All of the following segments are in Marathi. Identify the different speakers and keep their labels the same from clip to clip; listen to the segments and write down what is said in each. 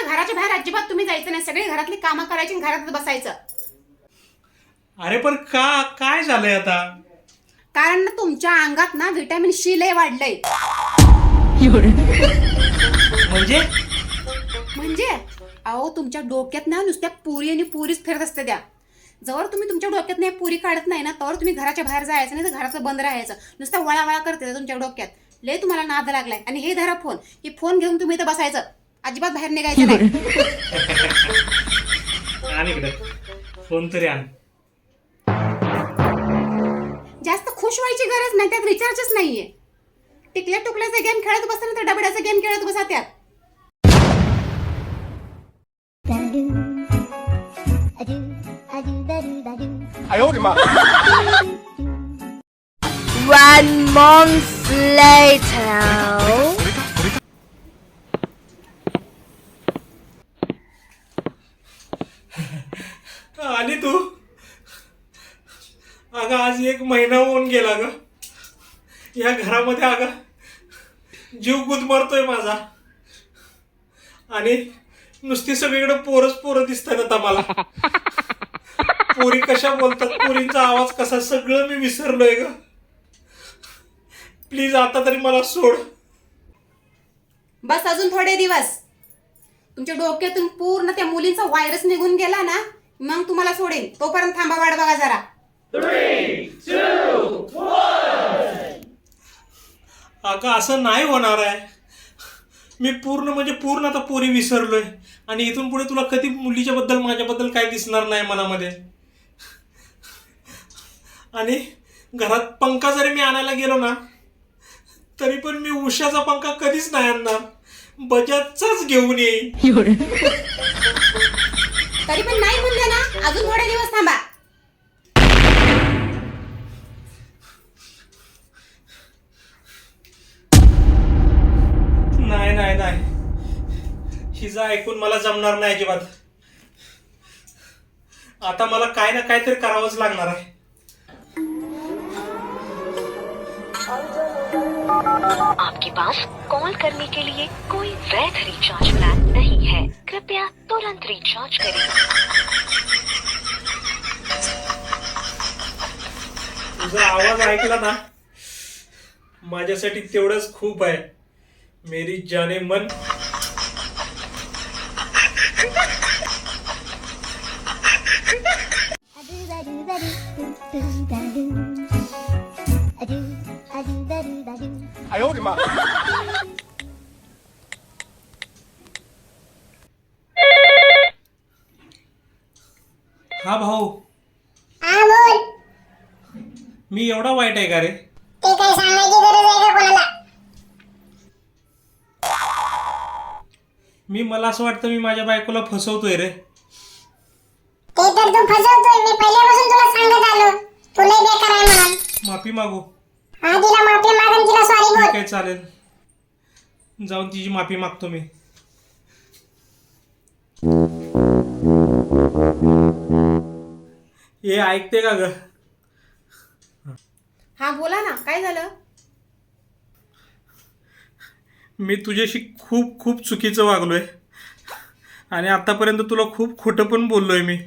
Speaker 1: घराच्या बाहेर अजिबात तुम्ही जायचं नाही. सगळी घरातली कामं करायची आणि घरात बसायचं.
Speaker 2: अरे पण काय झालंय आता?
Speaker 1: कारण ना तुमच्या अंगात ना व्हिटॅमिन सी लय वाढलंय. म्हणजे अहो तुमच्या डोक्यात ना नुसत्या पुरी आणि पुरीच फिरत असते त्या. जवळ तुम्ही तुमच्या डोक्यात नाही पुरी काढत नाही ना तर तुम्ही घराच्या बाहेर जायचं नाही तर घराचं बंद राहायचं. नुसतं वळा करते तुमच्या डोक्यात. लय तुम्हाला नाद लागलाय. आणि हे धरा फोन. ही फोन घेऊन तुम्ही इथं बसायचं. अजिबात बाहेर निघायचं नाही.
Speaker 2: आण इकडे फोन तरी आण.
Speaker 1: जास्त खुश व्हायची गरज नाही. त्यात रिचार्जच नाहीये. टिकल्या टुकल्याचा गेम खेळत बसता ना तर डबड्याचा गेम खेळत बसा त्यात.
Speaker 3: One month later.
Speaker 2: आली तू? अगं आज 1 महिना होऊन गेला ग. या घरामध्ये अगं जीव गुदमरतोय माझा. आणि नुसती सगळीकडे पोरं दिसतात आता मला. पोरी कशा बोलतात, पोरींचा आवाज कसा, सगळं मी विसरलोय ग. प्लीज आता तरी मला सोड.
Speaker 1: बस अजून थोडे दिवस. तुमच्या डोक्यातून पूर्ण त्या मुलींचा व्हायरस निघून गेला ना मग तुम्हाला सोडेन. तोपर्यंत थांबा, वाट बघा जरा.
Speaker 4: 3, 2, 1.
Speaker 2: अगं असं नाही होणार आहे. मी पूर्ण आता पोरी विसरलोय. आणि इथून पुढे तुला कधी मुलीच्या माझ्याबद्दल काय दिसणार नाही मनामध्ये. आणि घरात पंखा जरी मी आणायला गेलो ना तरी पण मी उषाचा पंखा कधीच नाही आणणार. बजाजचाच घेऊन येईन.
Speaker 1: तरी पण नाही म्हणले ना अजून थोडे दिवस थांबा.
Speaker 2: नाही हिचं ऐकून मला जमणार नाही अजिबात. आता मला काय ना काहीतरी करावंच लागणार आहे.
Speaker 5: आपके पास कॉल करने के लिए कोई वैध रिचार्ज प्लान नहीं है. कृपया तुरंत रिचार्ज करें.
Speaker 2: तुझा आवाज ऐकला ना माझ्यासाठी तेवढंच खूप आहे. मेरी जाने मन. हा भाऊ,
Speaker 6: हा बोल.
Speaker 2: मी एवढा वाईट आहे का रे?
Speaker 6: ते काही सांगायची गरज आहे का कोणाला?
Speaker 2: मला असं वाटतं मी माझ्या बायकोला फसवतोय रे.
Speaker 6: ते तर तू फसवतोय. मी पहिल्यापासून तुला सांगत आलो तू लय बेकार आहे म्हणून.
Speaker 2: माफी मागू?
Speaker 6: हा तिला माफी माग आणि तिला सॉरी
Speaker 2: ठीक
Speaker 6: बोल.
Speaker 2: आहे, चालेल. जाऊन तिची माफी मागतो मी. हे ऐकते का ग?
Speaker 1: हा बोला ना, काय झालं?
Speaker 2: मी तुझ्याशी खूप चुकीचं वागलोय. आणि आतापर्यंत तुला खूप खोटं पण बोललोय मी.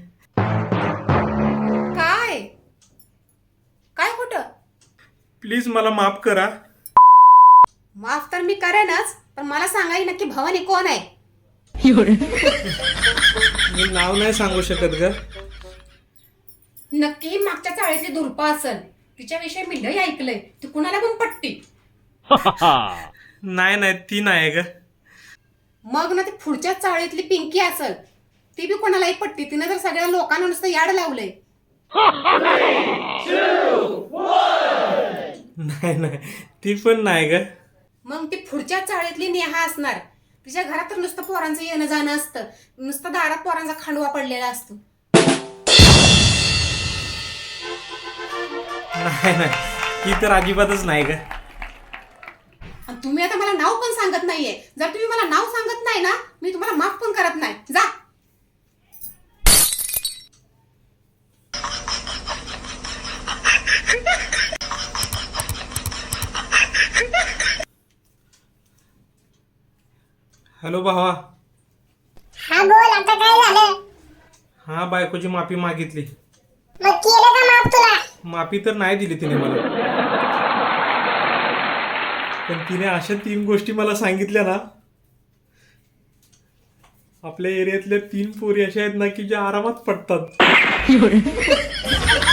Speaker 1: काय काय खोटं?
Speaker 2: प्लीज मला माफ करा.
Speaker 1: माफ तर मी करेनच, पण मला सांगाय नक्की भवानी कोण आहे?
Speaker 2: मी नाव नाही सांगू शकत ग.
Speaker 1: नक्की मागच्या चाळीतली दुर्पा असेल. तिच्याविषयी मी लय ऐकलंय. ती कुणाला पण पटती.
Speaker 2: नाही ती नाही ग.
Speaker 1: मग ना ती पुढच्या चाळीतली पिंकी असेल. ती बी कोणालाही पटती. तिने तर सगळ्या लोकांना नुसतं याड लावलंय.
Speaker 2: नाही ती पण नाही ग.
Speaker 1: मग ती पुढच्या चाळीतली नेहा असणार. तिच्या घरात तर नुसतं पोरांचं येणं जाणं असतं. नुसतं दारात पोरांचा खांडवा पडलेला असतो.
Speaker 2: नाही ती तर अजिबातच नाही ग.
Speaker 1: आणि तुम्ही आता मला नाव पण सांगत नाहीये. जर तुम्ही मला नाव सांगत नाही ना मी तुम्हाला माफ पण करत नाही. जा.
Speaker 2: हॅलो भावा.
Speaker 6: हा बोल, आता काय झालं?
Speaker 2: हा, बायकोची माफी मागितली.
Speaker 6: मग केलं का माफ तुला?
Speaker 2: माफी तर नाही दिली तिने मला, पण तिने अशा 3 गोष्टी मला सांगितल्या ना, आपल्या एरियातल्या 3 पोरी अशा आहेत ना की ज्या आरामात पडतात.